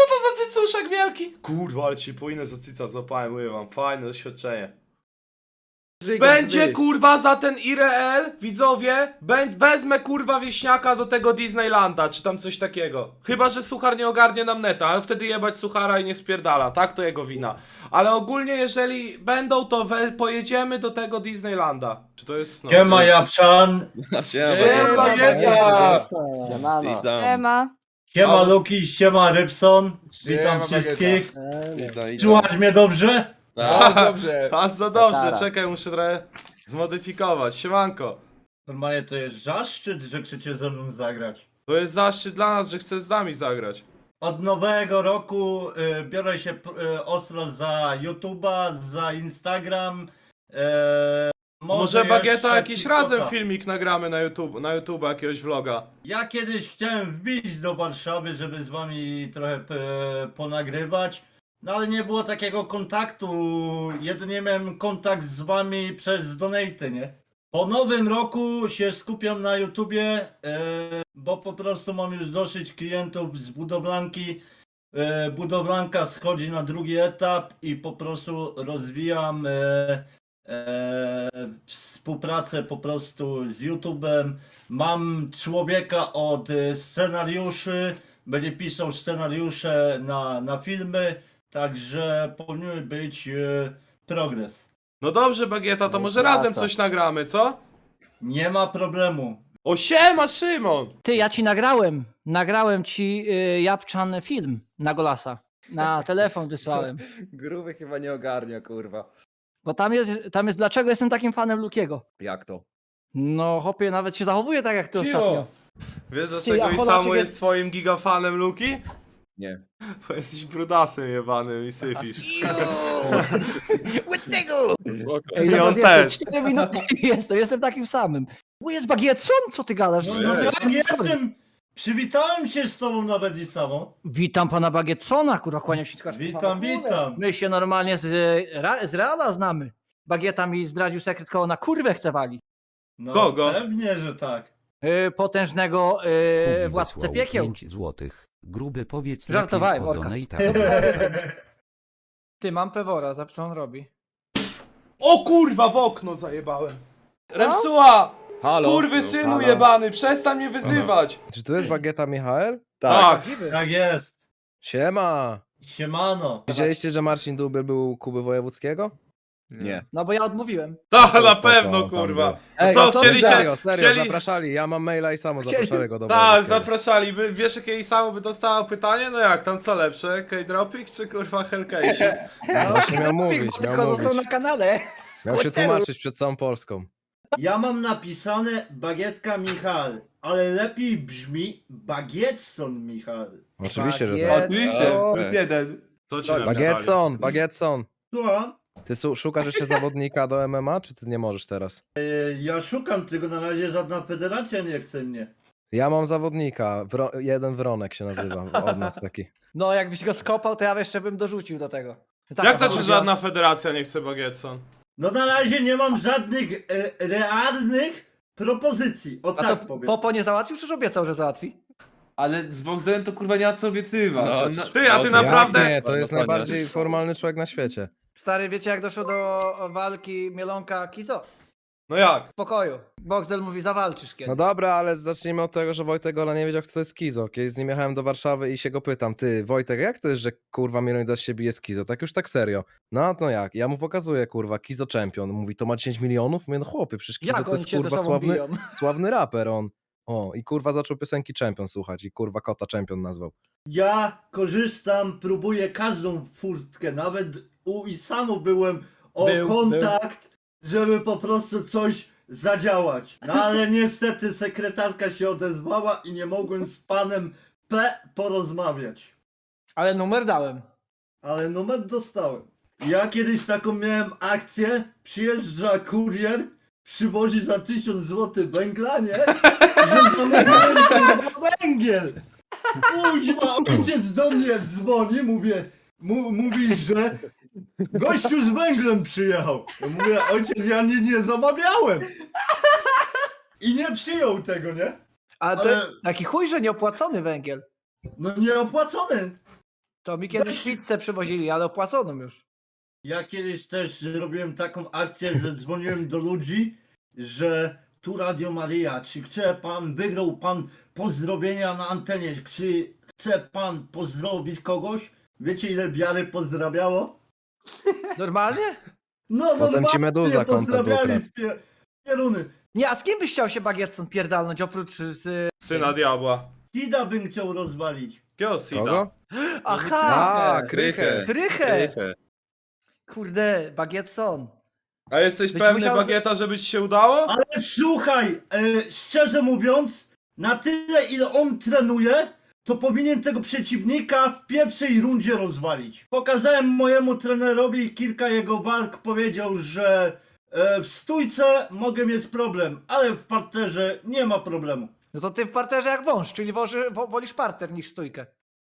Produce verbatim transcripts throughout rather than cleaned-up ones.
to za cycuszek wielki? Kurwa, ale ci płynę za cyca złapałem, mówię wam, fajne doświadczenie. Będzie kurwa za ten I R L, widzowie, bę- wezmę kurwa wieśniaka do tego Disneylanda, czy tam coś takiego. Chyba, że suchar nie ogarnie nam neta, ale wtedy jebać suchara i nie spierdala, tak? To jego wina. Ale ogólnie jeżeli będą, to we, pojedziemy do tego Disneylanda. Czy to jest... No, Siema czy- Japczan, Siema, Bagieta! Siemano. Siema. siema Ale- Luki, siema Rybson, witam Siema, wszystkich. Witaj, Słuchać mnie dobrze? No, dobrze. A za dobrze, Tatara. czekaj, muszę trochę zmodyfikować. Siemanko. Normalnie to jest zaszczyt, że chcecie ze mną zagrać. To jest zaszczyt dla nas, że chcesz z nami zagrać. Od nowego roku y, biorę się y, ostro za YouTube'a, za Instagram. Y, może Może Bagieta jeszcze jakiś TikToka. razem filmik nagramy na YouTube, na YouTube jakiegoś vloga. Ja kiedyś chciałem wbić do Warszawy, żeby z wami trochę e, ponagrywać, no ale nie było takiego kontaktu, jedynie miałem kontakt z wami przez donaty, nie? Po nowym roku się skupiam na YouTubie, e, bo po prostu mam już dosyć klientów z budowlanki. E, budowlanka schodzi na drugi etap i po prostu rozwijam e, e, współpracę po prostu z YouTube'em. Mam człowieka od e, scenariuszy, będzie pisał scenariusze na, na filmy, także powinien być e, progres. No dobrze, Bagieta, to No może praca. razem coś nagramy, co? Nie ma problemu. O siema, Szymon! Ty, ja ci nagrałem. Nagrałem ci y, Japczan film na Golasa. Na telefon wysłałem. Gruby chyba nie ogarnia, kurwa. Bo tam jest, tam jest dlaczego jestem takim fanem Lukiego. Jak to? No hopie, nawet się zachowuje tak jak ty Cicho. ostatnio. Wiesz Ty, dlaczego a i Polaczek samo jest- jest twoim gigafanem, Luki? Nie. Bo jesteś brudasem jebanym i syfisz. Spoko. Ej, I zobacz, on jestem też. cztery minuty jestem, jestem takim samym. Tu jest Bagietson? Co ty gadasz? No, Nie. no No, tak jestem. Przywitałem się z tobą nawet i samo. Witam pana Bagietsona, kurwa, kłaniam się. skacz- Witam, witam. My się normalnie z, Ra- z Reala znamy. Bagieta mi zdradził sekret, koło na kurwę chce walić. No Kogo? pewnie, że tak. Yy, potężnego yy, władcę piekieł. pięć złotych. Gruby powiedz Żartowałem, lepiej o Olka. donatach. Ty, mam pewora, za co on robi? O kurwa, w okno zajebałem. Remsuła! Halo? Skurwysynu Halo? jebany, przestań mnie wyzywać! Czy to jest Bagieta Michael? Tak. Tak jest. Siema! Siemano. Widzieliście, że Marcin Dubiel był u Kuby Wojewódzkiego? Nie. No bo ja odmówiłem. Tak, na to pewno, tam kurwa. był. A co, no chcieliście... Serio, serio, chcieli... zapraszali. Ja mam maila i samo Chcieli- zapraszali go do Tak, Wojewódzkiego. zapraszali. By, wiesz, jakie jej samo by dostało pytanie? No jak, tam co lepsze? K-Dropik czy kurwa Hellcase? No właśnie miał Doping, mówić, bo miał tylko został mówić. na kanale. Miał się tłumaczyć przed całą Polską. Ja mam napisane Bagietka Michal, ale lepiej brzmi Bagietson Michal. Oczywiście, że Bagiet- tak. Oczywiście, O, plus jeden. To ci napisali. Bagietson, Bagietson. Słucham? Ty su- szukasz jeszcze zawodnika do M M A, czy ty nie możesz teraz? E, Ja szukam, tylko na razie żadna federacja nie chce mnie. Ja mam zawodnika, Wro- jeden Wronek się nazywa, od nas taki. No jakbyś go skopał, to ja jeszcze bym dorzucił do tego. Tak, Jak to a ci chodzi żadna federacja nie chce Bagietson? No na razie nie mam żadnych e, realnych propozycji. O A tak to powiem. Popo nie załatwił, czy obiecał, że załatwi? Ale z Boxdelem to kurwa nie ma co obiecywać. No, No, Ty, a ty Jak naprawdę... Jak nie, to jest Dokładnie. najbardziej formalny człowiek na świecie. Stary, wiecie jak doszło do walki Mielonka Kizo? No jak? W pokoju. Boxdel mówi, zawalczysz kiedy. No dobra, ale zacznijmy od tego, że Wojtek Gola nie wiedział, kto to jest Kizo. Kiedyś z nim jechałem do Warszawy i się go pytam, ty Wojtek, jak to jest, że kurwa Mielonidas się bije z Kizo? Tak już tak serio. No to jak? Ja mu pokazuję, kurwa, Kizo Champion. Mówi, to ma dziesięć milionów? Mówię, no chłopie, przecież Kizo jak to oni jest się ze kurwa sobą sławny, biją? sławny raper on. O, i kurwa zaczął piosenki Champion słuchać i kurwa kota Champion nazwał. Ja korzystam, próbuję każdą furtkę, nawet u i samo byłem o Był, kontakt, żeby po prostu coś zadziałać. No ale niestety sekretarka się odezwała i nie mogłem z panem P porozmawiać. Ale numer dałem. Ale numer dostałem. Ja kiedyś taką miałem akcję, przyjeżdża kurier, przywozi za tysiąc złotych węgla, nie? Że zamawiałem kurwa węgiel. Kuźwa, ojciec do mnie dzwoni, mówię, mu, mówi, że gościu z węglem przyjechał. Ja mówię, ojciec, ja nie, nie zamawiałem. I nie przyjął tego, nie? A to Ale- taki chuj, że nieopłacony węgiel. No nieopłacony. To mi kiedyś pizzę przywozili, ale opłaconą już. Ja kiedyś też zrobiłem taką akcję, że dzwoniłem do ludzi, że tu Radio Maryja, czy chce pan, wygrał pan pozdrowienia na antenie, czy chce pan pozdrowić kogoś? Wiecie ile wiary pozdrawiało? Normalnie? No Potem ci normalnie Meduza konto pozdrawiali ukradł. pie- pieruny. Nie, a z kim byś chciał się Bagietson pierdalnąć oprócz z... Syna diabła. Kida bym chciał rozwalić. Kiego Sida? Kogo? Aha! A, Krychę. Krychę! Kurde, Bagietson. A jesteś Być pewny, musiał- Bagieta, żeby ci się udało? Ale słuchaj, e, szczerze mówiąc, na tyle ile on trenuje, to powinien tego przeciwnika w pierwszej rundzie rozwalić. Pokazałem mojemu trenerowi kilka jego walk, powiedział, że e, w stójce mogę mieć problem, ale w parterze nie ma problemu. No to ty w parterze jak wąż, czyli woży, wo, wolisz parter niż stójkę.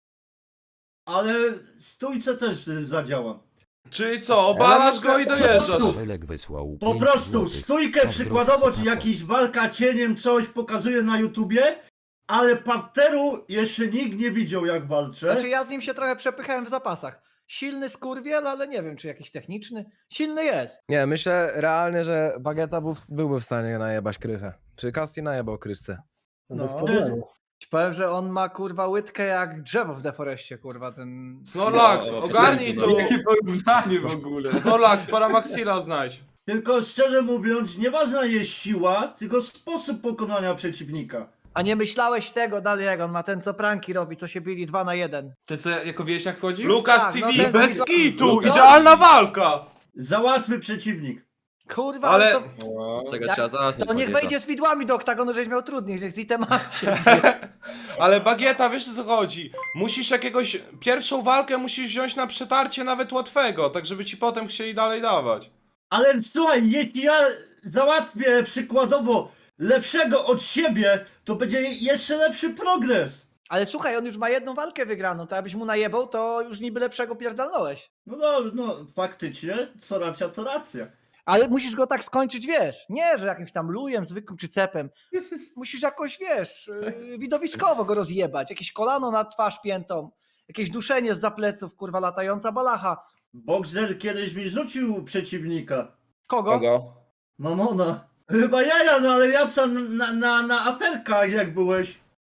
Ale w stójce też e, zadziałam. Czyli co, obalasz go i dojeżdżasz. Felek wysłał Po pięć prostu złotych. stójkę Pozdrów przykładowo, czy chłopaków. jakiś walka cieniem, coś pokazuje na YouTubie, ale parteru jeszcze nikt nie widział jak walczę. Znaczy ja z nim się trochę przepychałem w zapasach. Silny skurwiel, ale nie wiem, czy jakiś techniczny. Silny jest. Nie, myślę realnie, że Bagieta był, byłby w stanie najebać Krychę. Czy Kasti najebał Kryszce? No. Ci powiem, że on ma kurwa łydkę jak drzewo w deforeście, kurwa, ten... Snorlax, ogarnij tu. Jakie porównanie w ogóle. Snorlax, Paramaxila znajdź. Tylko szczerze mówiąc, nieważna jest siła, tylko sposób pokonania przeciwnika. A nie myślałeś tego dalej, jak on ma ten, co pranki robi, co się bili dwa na jeden. Ten co jako wieśniak chodził? Lukas Tak, T V, no ten- bez kitu, Lukas- idealna walka. Za łatwy przeciwnik. Kurwa, Ale- to, Czego Jak- trzeba zasnąć. to niech Bagieta. wejdzie z widłami do oktagonu, żeś miał trudniej, niech z itemami się... Ale Bagieta, wiesz o co chodzi? Musisz jakiegoś, pierwszą walkę musisz wziąć na przetarcie nawet łatwego, tak żeby ci potem chcieli dalej dawać. Ale słuchaj, jeśli ja załatwię przykładowo lepszego od siebie, to będzie jeszcze lepszy progres. Ale słuchaj, on już ma jedną walkę wygraną, to jakbyś mu najebał, to już niby lepszego pierdolnąłeś. No, no, no faktycznie, co racja, to racja. Ale musisz go tak skończyć, wiesz, nie, że jakimś tam lujem, zwykłym czy cepem. Musisz jakoś, wiesz, yy, widowiskowo go rozjebać. Jakieś kolano na twarz piętą, jakieś duszenie z zapleców, kurwa, latająca balacha. Boxer kiedyś mi rzucił przeciwnika. Kogo? Mamona. Chyba jaja, no ale ja psam na, na, na aferkach jak byłeś.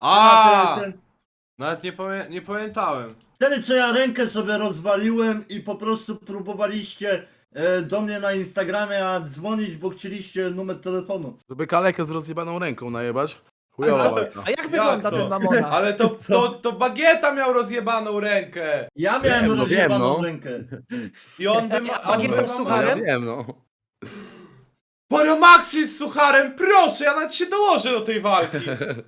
A, Na ten- ten- nawet nie, pamię nie pamiętałem. Wtedy co ja rękę sobie rozwaliłem i po prostu próbowaliście e, do mnie na Instagramie a dzwonić, bo chcieliście numer telefonu. Żeby kalekę z rozjebaną ręką najebać. Chujowa walka. A jak wygląda to? ten mamona? Ale to, to, to Bagieta miał rozjebaną rękę. Ja miałem Wiem, no rozjebaną wiem, no. rękę. I on by ma... on Bagieta by z ma- sucharem? Ja wiem, no. Paramaxi z sucharem, proszę, ja nawet się dołożę do tej walki.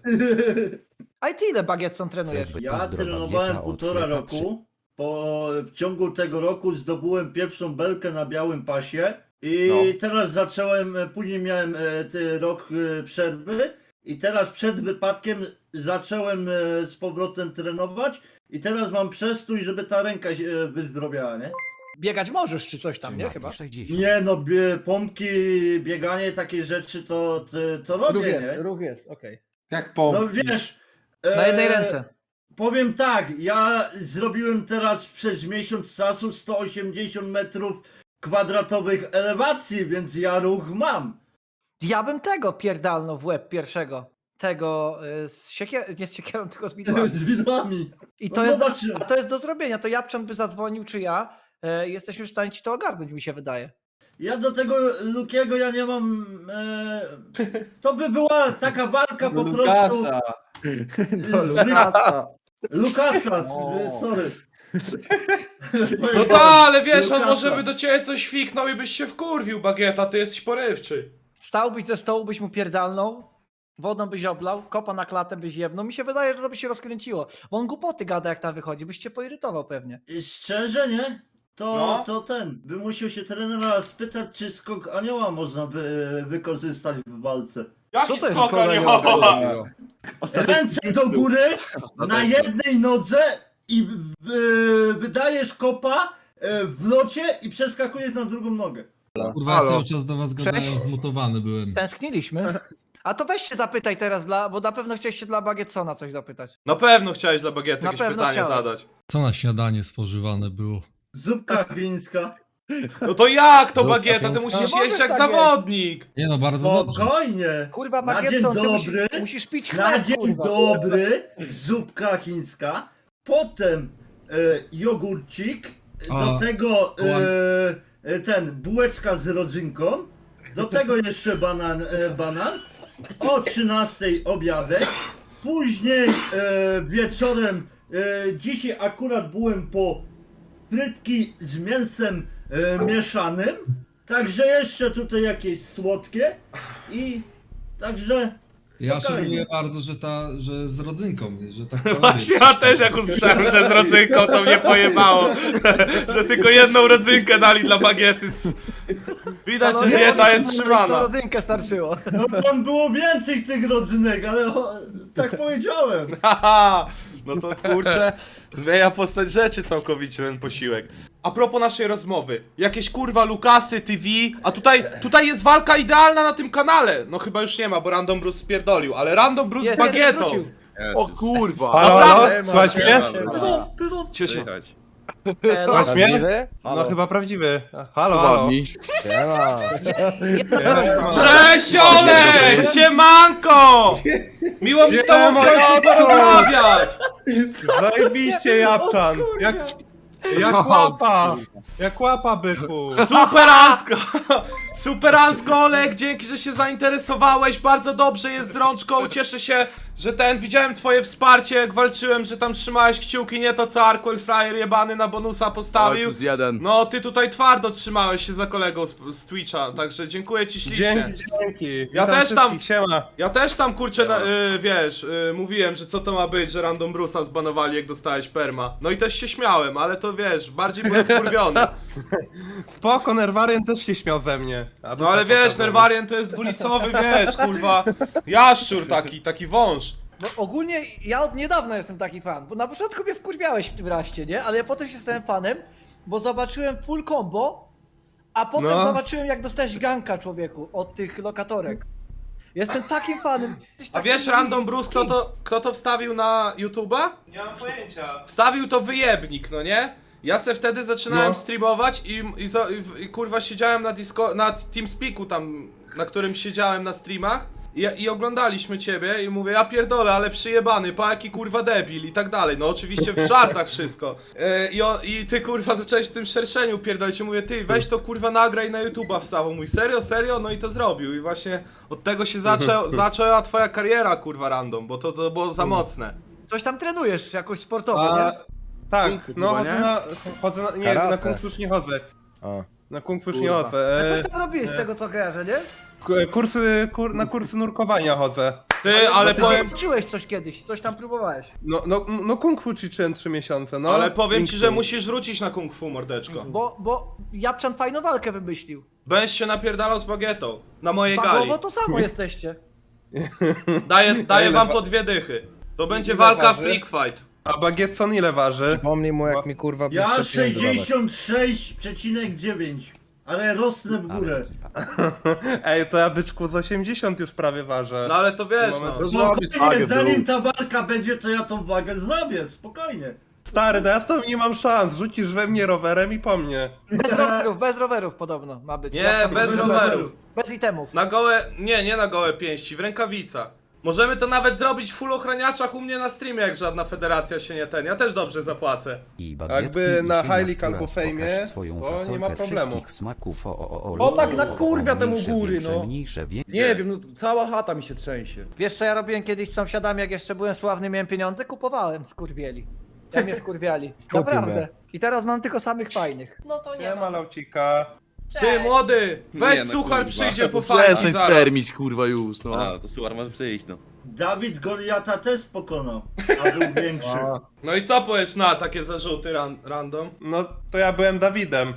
A i ty ile Bagietson trenujesz? Jakby Ja pozdro trenowałem Bagieta od półtora Fleta roku. Po, w ciągu tego roku zdobyłem pierwszą belkę na białym pasie. I No. teraz zacząłem, e, później miałem e, ty, rok e, przerwy. I teraz przed wypadkiem zacząłem e, z powrotem trenować. I teraz mam przestój, żeby ta ręka się e, wyzdrowiała, nie? Biegać możesz czy coś tam, nie? Mati Chyba. sześćdziesiąt. Nie no, bie, pompki, bieganie, takie rzeczy to, to, to Ruch robię, jest, nie? ruch jest, okej. Jak pomp. No wiesz... Na jednej e, ręce. Powiem tak, ja zrobiłem teraz przez miesiąc czasu sto osiemdziesiąt metrów kwadratowych elewacji, więc ja ruch mam. Ja bym tego pierdalnął w łeb pierwszego. Tego y, z siekier... nie z siekierą, tylko z widłami. Z widłami. I No to, jest, zobaczymy. a to jest do zrobienia. To Japczan by zadzwonił, czy ja. E, jesteśmy w stanie ci to ogarnąć, mi się wydaje. Ja do tego Lukiego ja nie mam... E, to by była taka walka po prostu... Lukasa. Lukasa. Lukasa, O. sorry. No tak, ale wiesz, on Lukasa. może by do ciebie coś fiknął i byś się wkurwił, Bagieta, ty jesteś porywczy. Stałbyś ze stołu, byś mu pierdalnął, wodą byś oblał, kopa na klatę byś jebnął. Mi się wydaje, że to by się rozkręciło. Bo on głupoty gada, jak tam wychodzi. Byś cię poirytował pewnie. I szczerze, nie? To, No. to ten, by musiał się trenera spytać, czy skok anioła można by wykorzystać w walce. Jaki Co to jest skok kolego? anioła? Ręce do góry, na Ostatecznie. jednej nodze i w, w, wydajesz kopa e, w locie i przeskakujesz na drugą nogę. Kurwa, ja Halo. cały czas do was gadałem, Cześć. zmutowany byłem. Tęskniliśmy. A to weźcie zapytaj teraz, dla, bo na pewno chcieliście dla Bagietsona coś zapytać. Na pewno chciałeś dla Bagiety Na jakieś pewno pytanie chciałeś. zadać. Co na śniadanie spożywane było? Zupka chińska. No to jak to Zupka bagieta? Ty chińska. musisz No jeść możesz jak tak zawodnik. Nie no, bardzo dobrze. Spokojnie. Kurwa, Na dzień bagietson, ty musisz, dobry. musisz pić Na chleb, dzień kurwa. dobry, zupka chińska, potem e, jogurcik, do A, tego e, kołan- e, ten, bułeczka z rodzynką, do tego jeszcze banan, e, banan, o trzynastej obiadek, później e, wieczorem, e, dzisiaj akurat byłem po frytki z mięsem e, mieszanym, także jeszcze tutaj jakieś słodkie i także... Ja spokojnie. szanuję bardzo, że ta, że z rodzynką, że tak to Właśnie ja też jak usłyszałem, że z rodzynką to mnie pojebało. Że tylko jedną rodzynkę dali dla bagiety. z- Widać, że Panowie, dieta na jest trzymana. rodzynkę starczyło. No tam było więcej tych rodzynek, ale o, tak powiedziałem. Haha, no to kurczę, zmienia postać rzeczy całkowicie ten posiłek. A propos naszej rozmowy, jakieś kurwa Lukasy, T V, a tutaj, tutaj jest walka idealna na tym kanale. No chyba już nie ma, bo Random Bruce spierdolił, ale Random Bruce z Jest, bagietą. wrócił. O kurwa! Halo, Naprawdę? halo? Słuchaj mnie? Cie się. E, no, Słuchaj mnie? Prawdziwy? No chyba prawdziwy. Halo, halo. Ładni. Siema. Cześć Olek! Siemanko! Miło mi z tobą w Siema, końcu Jacku! porozmawiać! Zajebiście, Japczan. Jak, jak łapa. Jak łapa, byku. Superancko! Superancko Olek, dzięki, że się zainteresowałeś, bardzo dobrze jest z rączką, cieszę się, że ten, widziałem twoje wsparcie, jak walczyłem, że tam trzymałeś kciuki, nie to co Arkwell Fryer jebany na bonusa postawił. plus jeden. No, ty tutaj twardo trzymałeś się za kolegą z, z Twitcha, także dziękuję ci ślicznie. Dzięki, dzięki. Ja Witam też tam- wszystkich, Siema. Ja też tam kurczę, na, y, wiesz, y, mówiłem, że co to ma być, że Random Bruce'a zbanowali jak dostałeś perma. No i też się śmiałem, ale to wiesz, bardziej byłem wkurwiony. Spoko, Nerwarian też się śmiał ze mnie. A No ale wiesz, Nerwarian to jest dwulicowy, wiesz, kurwa, jaszczur taki, taki wąż. No ogólnie ja od niedawna jestem taki fan, bo na początku mnie wkurwiałeś w tym raście, nie? Ale ja potem się stałem fanem, bo zobaczyłem full combo, a potem No. zobaczyłem jak dostałeś ganka, człowieku, od tych lokatorek. Jestem takim fanem. Jesteś A taki wiesz, Random Bruce, kto to, kto to wstawił na YouTube'a? Nie mam pojęcia. Wstawił to wyjebnik, no nie? Ja se wtedy zaczynałem No. streamować i, i, zo- i, i kurwa siedziałem na Disco, na TeamSpeaku tam, na którym siedziałem na streamach i, i oglądaliśmy ciebie i mówię, ja pierdolę, ale przyjebany, pa jaki kurwa debil i tak dalej, no oczywiście w żartach wszystko. E, i, o, I ty kurwa zacząłeś w tym szerszeniu pierdolić i mówię, ty weź to kurwa nagraj na YouTube'a wstawał, mój serio, serio, no i to zrobił i właśnie od tego się zaczę, zaczęła twoja kariera kurwa Random, bo to, to było za mocne. Coś tam trenujesz jakoś sportowo, A, nie? tak, Kung fu no chyba, chodzę nie? na, chodzę na, nie, Karate. na kung fu już nie chodzę. O. Na kung fu już nie Kurwa. chodzę. A E, coś tam robiłeś z tego co kojarzę, nie? k- kursy, kur, na kursy nurkowania chodzę. Ty, ale Ty powiem... ćwiczyłeś coś kiedyś, coś tam próbowałeś. No, no, no kung fu ćwiczyłem trzy miesiące, no. Ale powiem ci, Kung że fu. musisz wrócić na kung fu, mordeczko. Bo, bo Japczan fajną walkę wymyślił. Będziesz się napierdalał z bagietą. Na mojej gali. Fagowo to samo jesteście. Daję, daję Ile wam wa- po dwie dychy. To będzie Ile walka waży? freak fight. A Bagietson ile waży? Przypomnij mu, jak mi kurwa Ja sześćdziesiąt sześć przecinek dziewięć, ale rosnę w górę. Ej, to ja byczku z osiemdziesiąt już prawie ważę. No ale to wiesz, no. To zrobisz Spokojnie, wagę, zanim bro. ta walka będzie, to ja tą wagę zrobię, spokojnie. Stary, no ja z tobą nie mam szans. Rzucisz we mnie rowerem i po mnie. Bez rowerów, bez rowerów podobno ma być. Nie, Japczan bez bez rowerów. Bez itemów. Na gołe, nie, nie na gołe pięści, w rękawicach. Możemy to nawet zrobić w full ochraniaczach u mnie na streamie, jak żadna federacja się nie ten. Ja też dobrze zapłacę. I Jakby na High League albo pokaż Fejmie, swoją to nie fasolkę ma problemu. wszystkich smaków, o, o, o, O, tak o, na o, kurwia temu mniejsze, góry, większe, no. Mniejsze, większe. Nie wiem, no cała chata mi się trzęsie. Wiesz co ja robiłem kiedyś z sąsiadami, jak jeszcze byłem sławny, miałem pieniądze? Kupowałem skurwieli. Ja mnie wkurwiali. Naprawdę. I teraz mam tylko samych fajnych. No to nie Nie ma ma. laucika. Ty Cześć. młody, weź Nie, no suchar kurwa. przyjdzie po fajki Przestań zaraz. spermić, kurwa, już, no. A, to słuchaj, może przyjść, no. Dawid Goliata też pokonał, a był większy. A, No i co powiesz na takie zarzuty ran random? no to ja byłem Dawidem.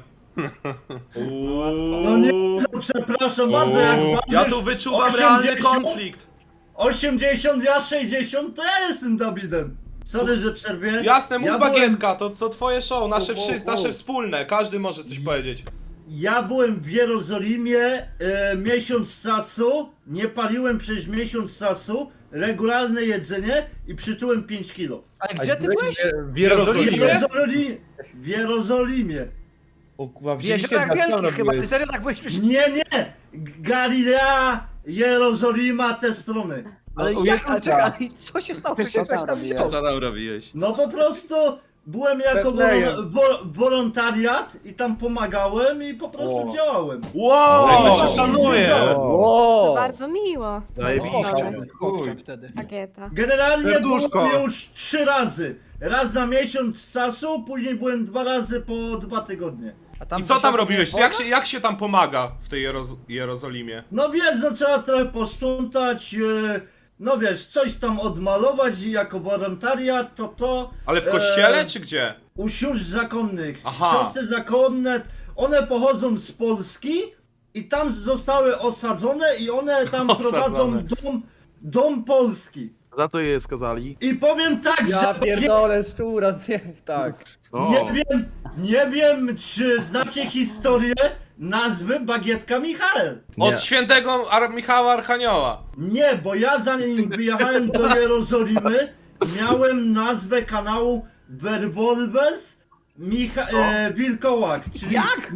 No nie, no przepraszam bardzo, jak ważysz Ja tu wyczuwam osiemdziesiąt realny konflikt. osiemdziesiąt, ja sześćdziesiąt, to ja jestem Dawidem. Sorry, że przerwie. Jasne, mów ja byłem, bagietka, to, to twoje show, nasze, U, u, wszyscy, u. nasze wspólne, każdy może coś powiedzieć. ja byłem w Jerozolimie e, miesiąc czasu, nie paliłem przez miesiąc czasu, regularne jedzenie i przytyłem pięć kilo. Ale gdzie ty byłeś? W Jerozolimie? W Jerozolimie. W Jerozolimie. O kurwa, W Jeziorach wzięliście Wielkich Daciana, chyba, ty byłeś. serio tak byłeś? Przecież... Nie, nie! Galilea, Jerozolima, te strony. Ale No, jak, jak ale to czekaj, tak? ale co się stało, że się ktoś tam wziął? tam robiłeś? No po prostu byłem jako Betlejem. wolon- wo- wolontariat i tam pomagałem i po prostu O. działałem. Wow! Szanuję. O! Bardzo miło. Zajebiście. Chłopcem wtedy. Pakieta. Generalnie Serduszko. byłem już trzy razy. Raz na miesiąc czasu, później byłem dwa razy po dwa tygodnie. A tam I co tam coś robiłeś? nie Jak wolno? się, jak się tam pomaga w tej Jeroz Jerozolimie? No wiesz, no trzeba trochę posprzątać, e, no wiesz, coś tam odmalować i jako wolontariat to to. Ale w kościele e, czy gdzie? U sióstr zakonnych. Aha. Siostry zakonne, one pochodzą z Polski i tam zostały osadzone i one tam Osadzone. prowadzą dom, dom polski. Za to je skazali. I powiem tak, Ja że pierdolę, szczura, zjem, tak. O, nie wiem, nie wiem czy znacie historię nazwy Bagietka Michael. Od Nie. świętego Ar Michała Archanioła. Nie, bo ja zanim wyjechałem do Jerozolimy, miałem nazwę kanału Werwolves Micha e, Wilkołak, czyli Jak?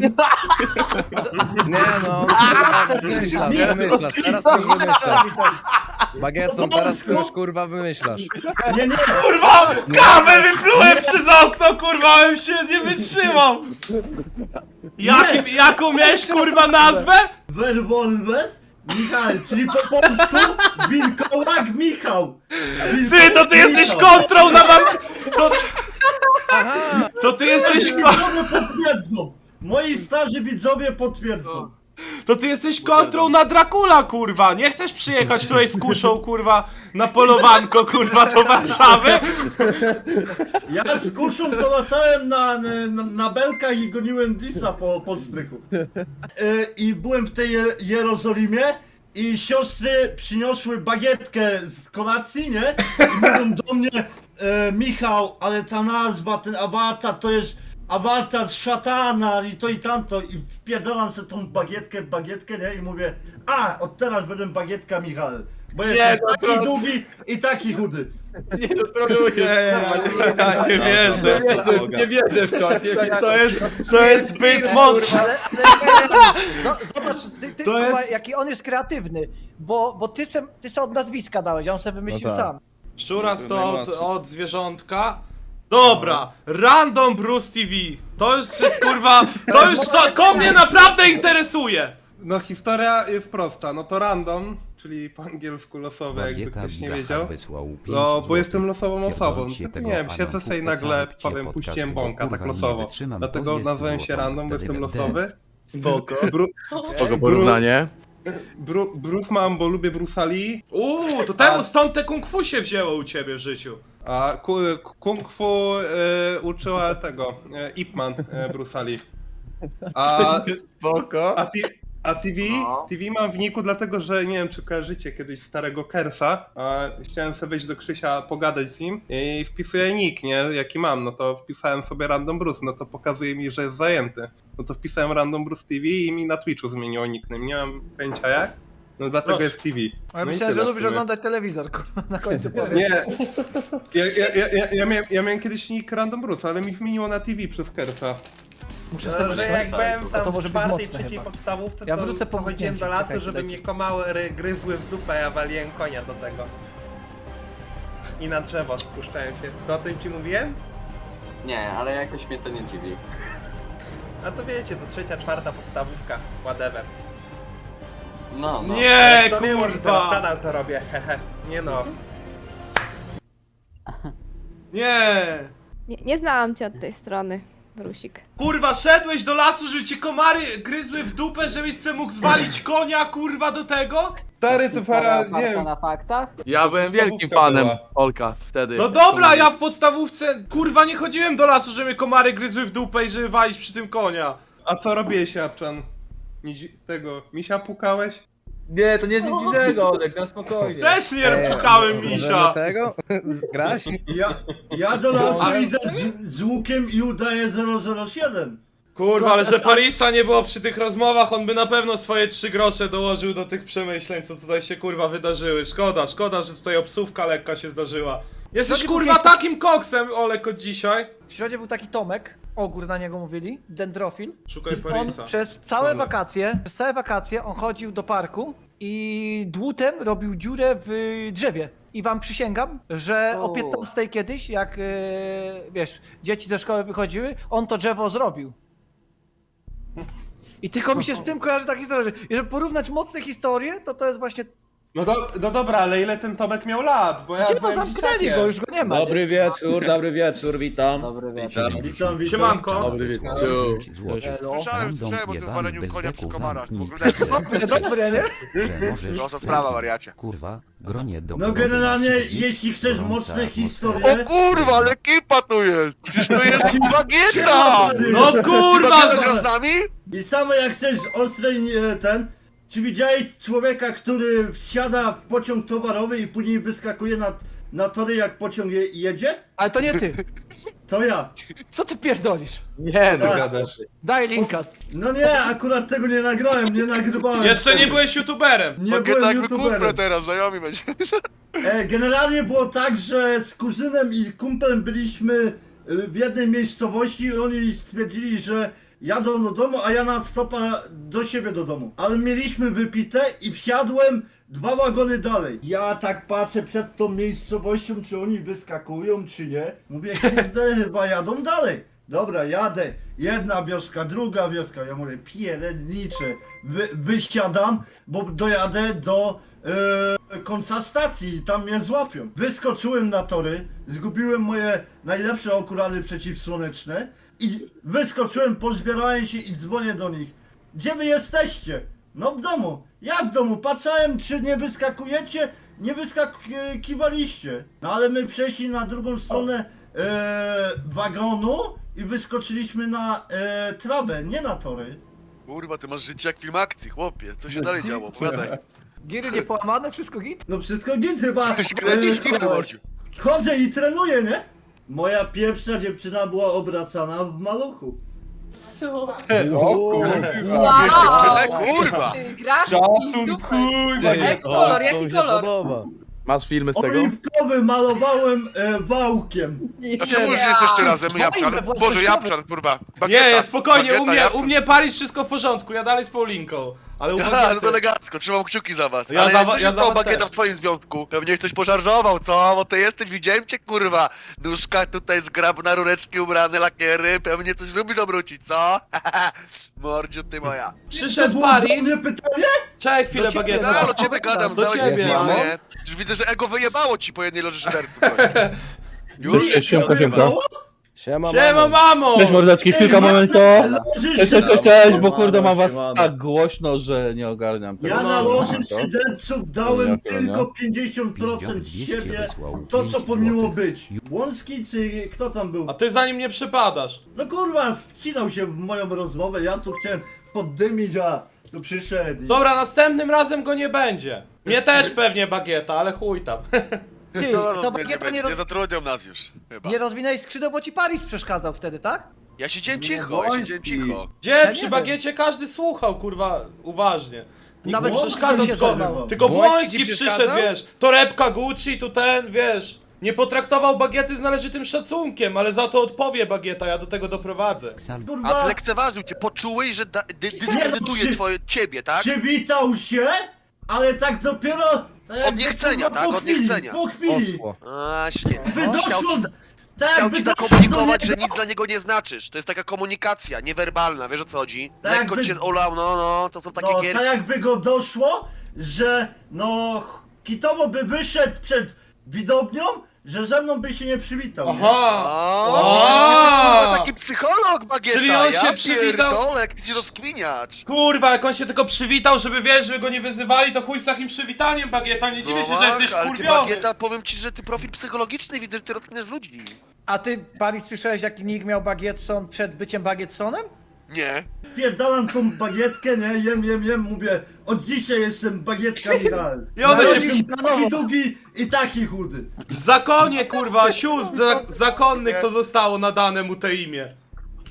Nie no, teraz wymyślasz, wymyślasz, teraz już wymyślasz. Bagietson, teraz ty już kurwa wymyślasz. nie, nie, Kurwa! Kawę wyplułem przez okno, kurwa, bym się nie wytrzymał! Jakim, jaką miałeś kurwa nazwę? Werwolves Michał, czyli po polsku Wilkołak Michał. Ty, to ty jesteś kontrą na wam... To, to ty jesteś ko... Widzowie potwierdzą. Moi starzy widzowie potwierdzą. To ty jesteś kontrą na Dracula, kurwa! Nie chcesz przyjechać tutaj z kuszą, kurwa, na polowanko, kurwa, do Warszawy? Ja z kuszą to latałem na, na, na belkach i goniłem Disa po, po strychu. E, I byłem w tej Je- Jerozolimie i siostry przyniosły bagietkę z kolacji, nie? I mówią do mnie, e, Michał, ale ta nazwa, ten awatar to jest awatar szatana i to i tamto. I wpierdalam sobie tą bagietkę w bagietkę, nie? I mówię, a, od teraz będę bagietka Michał. Bo jestem no taki to- długi i taki chudy. Nie, no trolujesz. Ja nie wierzę. Nie wierzę, nie wierzę w to. Nie wierzę. To jest, to jest zbyt mocne. Ale, ale nie, no, zobacz, ty, ty, To kurwa, jest- jaki on jest kreatywny, bo, bo ty se, ty se od nazwiska dałeś, a on sobie wymyślił No tak. sam. Szczuras to od, od zwierzątka. Dobra, Random Bruce T V. To już jest kurwa, to już to, to mnie naprawdę interesuje. No historia jest prosta, no to random, czyli po angielsku losowe, jakby Bagieta ktoś nie Bigacha wiedział. wysłał pięć No, bo złotych. jestem losową osobą. Pierdolcie Tak, tego nie wiem, siedzę Anantu sobie i nagle Pesalepcie powiem, podcastu, puściłem bo bąka, tak kurwa nie losowo. wytrzymam, Dlatego to jest nazwałem się złoto, random, bo wtedy jestem będę. losowy. Spoko. Bru, spoko porównanie. Bru, Bruce mam, bo lubię Bruce'a Lee, Uuu, to temu stąd te kung fu się wzięło u ciebie w życiu. a ku, kung fu e, uczyła tego, e, Ip Man e, Bruce'a Lee. A, Spoko. a, ti, a T V? No. T V mam w niku dlatego, że nie wiem czy kojarzycie kiedyś starego Kersa, a chciałem sobie wejść do Krzysia, pogadać z nim i wpisuję nick, nie, jaki mam, no to wpisałem sobie Random Bruce, no to pokazuje mi, że jest zajęty. No to wpisałem Random Bruce T V i mi na Twitchu zmieniło nickname, nie mam pojęcia jak, no dlatego Proszę. jest T V. Ja No i myślałem, że tyle w lubisz sumie. oglądać telewizor, kurwa, na końcu powiem. Nie, ja, ja, ja, ja, ja, miałem, ja miałem kiedyś nick Random Bruce, ale mi zmieniło na T V przez Kersa. Muszę No, sobie że jak byłem to tam może w być czwartej, mocne trzeciej chyba. podstawówce, Ja to, wrócę po to chodziłem do mgnięciu, lasu, czekajcie, żeby dajcie. mnie komary gryzły w dupę, ja waliłem konia do tego. I na drzewo spuszczałem się. To o tym ci mówiłem? Nie, ale jakoś mnie to nie dziwi. A to wiecie, to trzecia, czwarta podstawówka, whatever. No, no. Nie, To wiem, że teraz kurwa. nadal to robię, hehe. Nie no. Nie. Nie, nie znałam cię od tej strony, Brusik. Kurwa, szedłeś do lasu, żeby ci komary gryzły w dupę, żebyś se mógł zwalić konia, kurwa, do tego? Stary, to para, nie wiem. na faktach? Ja byłem wielkim podstawówka fanem była. Olka wtedy. No dobra, ja w podstawówce, kurwa, nie chodziłem do lasu, żeby komary gryzły w dupę i żeby walić przy tym konia. A co robiłeś, Japczan? Nidzi- Tego, misia pukałeś? Nie, to nie jest nic dziwnego, Olek, na spokojnie. Też nie pukałem Możemy misia. tego? Grać? Ja, ja do lasu idę z, z łukiem i udaję zero zero siedem. Kurwa, ale że Parisa nie było przy tych rozmowach, on by na pewno swoje trzy grosze dołożył do tych przemyśleń, co tutaj się kurwa wydarzyły. Szkoda, szkoda, że tutaj obsówka lekka się zdarzyła. Jesteś Środek kurwa był- takim koksem, Olek, od dzisiaj. W środzie był taki Tomek, ogór na niego mówili, dendrofil. Szukaj I on Parisa. przez całe Same. wakacje, przez całe wakacje on chodził do parku i dłutem robił dziurę w drzewie. I wam przysięgam, że o O. piętnastej kiedyś, jak e, wiesz, dzieci ze szkoły wychodziły, on to drzewo zrobił. I tylko mi się z tym kojarzy ta historia, że jeżeli porównać mocne historie, to to jest właśnie... No, do, no dobra, ale ile ten Tomek miał lat? Bo ja Gdzie no byłem zamknęli dzieciakiem. go, już go nie ma. nie? Dobry wieczór, dobry wieczór, witam. Dobry wieczór. Witam, witam. Siemanko. Dobry wieczór. pięć złotych. Elo. Random jebany bez beku zamknij. Dobre, dobre, nie? Że możesz... Prosta sprawa, wariacie. Kurwa, gronie do No głowy generalnie, masz siedzieć, jeśli chcesz gorąca mocne atmosfera. historie... kurwa, ale ekipa tu jest! Przecież to jest bagieta! No kurwa! z nami? I samo jak chcesz ostrej e, ten... Czy widziałeś człowieka, który wsiada w pociąg towarowy i później wyskakuje na, na tory jak pociąg je, jedzie? Ale to nie ty. To ja. Co ty pierdolisz? Nie, no Tak. gadasz. Daj linka. No nie, akurat tego nie nagrałem, nie nagrywałem. Jeszcze nie byłeś youtuberem. Nie Bagieta byłem jak wykupę youtuberem. teraz, znajomi będzie. E, generalnie było tak, że z kuzynem i kumplem byliśmy e, w jednej miejscowości i oni stwierdzili, że jadą do domu, a ja na stopa do siebie do domu. Ale mieliśmy wypite i wsiadłem dwa wagony dalej. Ja tak patrzę przed tą miejscowością, czy oni wyskakują, czy nie. Mówię, kurde, chyba jadą dalej. Dobra, jadę. Jedna wioska, druga wioska. Ja mówię, pierednicze. Wy, wysiadam, bo dojadę do e, końca stacji i tam mnie złapią. Wyskoczyłem na tory, zgubiłem moje najlepsze okulary przeciwsłoneczne i wyskoczyłem, pozbierałem się i dzwonię do nich. Gdzie wy jesteście? No w domu. Jak w domu? Patrzałem, czy nie wyskakujecie, nie wyskakiwaliście. No ale my przeszli na drugą stronę e, wagonu i wyskoczyliśmy na e, trawę, nie na tory. Kurwa, ty masz życie jak film akcji, chłopie. Co się dalej działo? Opowiadaj. Giry nie połamane, wszystko git? No wszystko git chyba. Kręcisz filmy, e, Mordziu. chodzę i trenuję, nie? Moja pierwsza dziewczyna była obracana w maluchu. Co? Ale kurwa! Grasz? Szacun, kurwa. Jaki kolor, jaki To mi się kolor? podoba. Masz filmy z tego? Oliwkowy malowałem e, wałkiem. A czemu już nie jesteście razem, Twoje Japszan? własnościowe. Boże, Japszan, kurwa. Bagieta, Nie, spokojnie, u bagieta, mnie, Japszan. u mnie Paris wszystko w porządku, ja dalej z Paulinką. Ale u Aha, no to Bagiety... elegancko, trzymam kciuki za was. Ja Ale za co wa- się ja za stało, was Bagieta, też. w twoim związku? Pewnie ktoś pożarżował, co? Bo ty jesteś, widziałem cię, kurwa. Nóżka tutaj zgrabna, rureczki ubrane, lakiery. Pewnie coś lubi obrócić, co? Mordziu, ty moja. Przyszedł To było do Paris... mnie pytanie? Czekaj chwilę, Do ciebie, Bagieta. No, ale o ciebie gadam, Do cały ciebie, dzień, no. nie? Już widzę, że ego wyjebało ci po jednej loży szyderców. Już? Cześć, siemka, siemka. Siema, Siema, mamo! mordeczki, kilka momentów. Cześć, cześć, cześć, cześć, bo Siemano, kurde mam was siemano. tak głośno, że nie ogarniam tego. Ja na No, loży to. szyderców dałem Jak to, nie? tylko pięćdziesiąt procent dwieście siebie, wysłał to co pięć powinno złotych. być. Łącki czy kto tam był? A ty za nim nie przypadasz. No kurwa, wcinał się w moją rozmowę, ja tu chciałem poddymić, a tu przyszedł. i- Dobra, następnym razem go nie będzie. Mnie też pewnie Bagieta, ale chuj tam. Ty, No, to no, nie, Bagieta nie, nie, roz... nie zatrudnią nas już, chyba. nie rozwinęłeś skrzydeł, bo ci Paris przeszkadzał wtedy, tak? Ja siedziałem cicho, ja siedziałem cicho. Gdzie Ja przy nie Bagiecie każdy słuchał, kurwa, uważnie. Nikt Nawet mu Błoński przeszkadzał, się tylko, zajmował. tylko Błoński Błoński ci przyszedł, przeszkadzał? wiesz. Torebka Gucci, tu ten, wiesz. Nie potraktował Bagiety z należytym szacunkiem, ale za to odpowie Bagieta, ja do tego doprowadzę. Ksal- A Kurwa, zlekceważył cię, poczułeś, że da, dy, dyskredytuje przy- twoje, ciebie, tak? przywitał się, ale tak dopiero... tak jakby, Od niechcenia, kurwa, tak? po Od chwili, niechcenia. Po chwili. Osło. Właśnie. By Chciał doszło... ci, Tak chciał jakby ci doszło zakomunikować, do że niego- nic dla niego nie znaczysz. To jest taka komunikacja, niewerbalna, wiesz o co chodzi? Tak Lekko jakby- cię olał, no, no, to są takie No, gierki. tak jakby go doszło, że no... Kitowo by wyszedł przed widownią, że ze mną by się nie przywitał. nie? Aha! O, A! taki psycholog, Bagieta, Czyli on ja się przywitał- pierdolę, jak ty ci rozkminiacz. Kurwa, jak on się tylko przywitał, żeby wiesz, żeby go nie wyzywali, to chuj z takim przywitaniem, Bagieta, nie dziwię się, że tak, jesteś ale ty, wkurwiony. Bagieta, powiem ci, że ty profil psychologiczny, widzę, że ty rozkminiasz ludzi. A ty, Paris, słyszałeś jaki nick miał Bagietson przed byciem Bagietsonem? Nie. Pierdalam tą bagietkę, nie? Jem, jem, jem, mówię, od dzisiaj jestem bagietka Michał. I on będzie- Narodził się taki długi i taki chudy. W zakonie, kurwa, sióstr za zakonnych to zostało nadane mu te imię.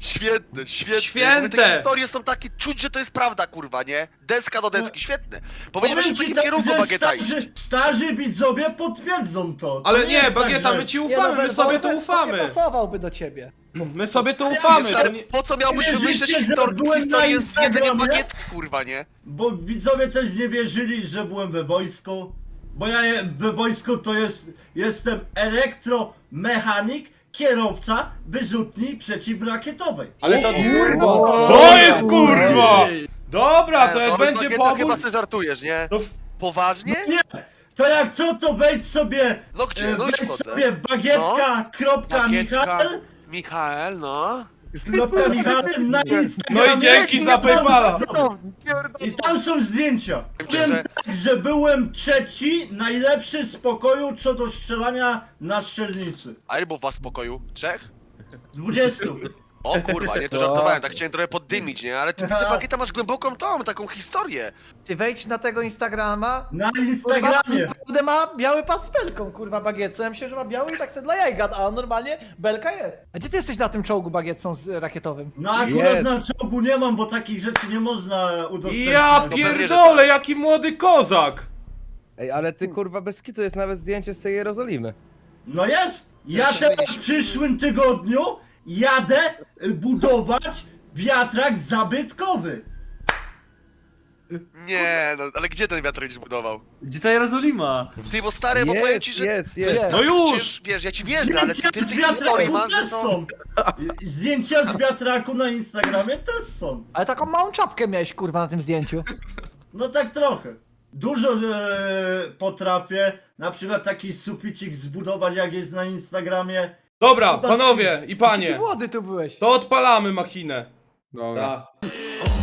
Świetne, świetne. Święte. Mówię, te historie są takie, czuć, że to jest prawda, kurwa, nie? Deska do deski, świetne. Powinien właśnie w Powiem ci takim tak, kierunku że Bagieta iść. starzy, starzy widzowie potwierdzą to. to Ale nie, jest Bagieta, tak, my ci Nie, ufamy, no, my sobie to Wolfes Nie ufamy. pasowałby do ciebie. My sobie to ufamy. To Stary, nie... po co miałbyś Nie wymyśleć wierzycie, że historię, byłem na historię z jedzeniem Instagramie? bagietki, kurwa, nie? Bo widzowie też nie wierzyli, że byłem we wojsku. Bo ja je- we wojsku to jest, jestem elektromechanik, kierowca wyrzutni przeciwrakietowej. Ale to... Kurwa. Co jest kurwa? Dobra, to E, jak no, będzie Bagieta, pobór... chyba ty żartujesz, nie? To w... Poważnie? Nie! To jak co, to wejdź sobie, No gdzie? e, No już wejdź wchodzę. sobie bagietka, kropka, Bagietka. Michał, Michael, no. kropka, Michał na Instagramie. No i dzięki za Paypala. I tam są zdjęcia. Wiem Że- tak, że byłem trzeci, najlepszy z pokoju co do strzelania na strzelnicy. A ile było was w pokoju? Trzech? dwudziestu. O kurwa, nie, to żartowałem, tak chciałem trochę poddymić, nie? Ale ty widzę, Bagieta, masz głęboką tą, taką historię. Ty wejdź na tego Instagrama. Na Kurwa, Instagramie. naprawdę ma biały pas z belką, kurwa, bagietce. Ja myślę, że ma biały i tak se dla jaj gada, a normalnie belka jest. A gdzie ty jesteś na tym czołgu bagietcą z rakietowym? No akurat Jest. na czołgu nie mam, bo takich rzeczy nie można udostępniać. Ja pewnie, że pierdolę, tak. jaki młody kozak. Ej, ale ty kurwa bez kitu jest nawet zdjęcie z tej Jerozolimy. No jest! Ja Ja teraz się w przyszłym tygodniu jadę y, budować wiatrak zabytkowy. Nie, no, ale gdzie ten wiatr będziesz budował? Gdzie ta Jerozolima? Ty, bo stary, bo powiem ci, Jest, że... jest, jest. No już! Przecież, wiesz, ja ci wierzę, ale ty Zdjęcia ty z tych historii wiatraku masz, też że są... są. Y, Zdjęcia z wiatraku na Instagramie też są. Ale taką małą czapkę miałeś, kurwa, na tym zdjęciu. No tak trochę. Dużo e, potrafię, na przykład taki suficik zbudować jak jest na Instagramie. Dobra, panowie i Ty panie, młody tu byłeś. to odpalamy machinę. Dobra. Tak.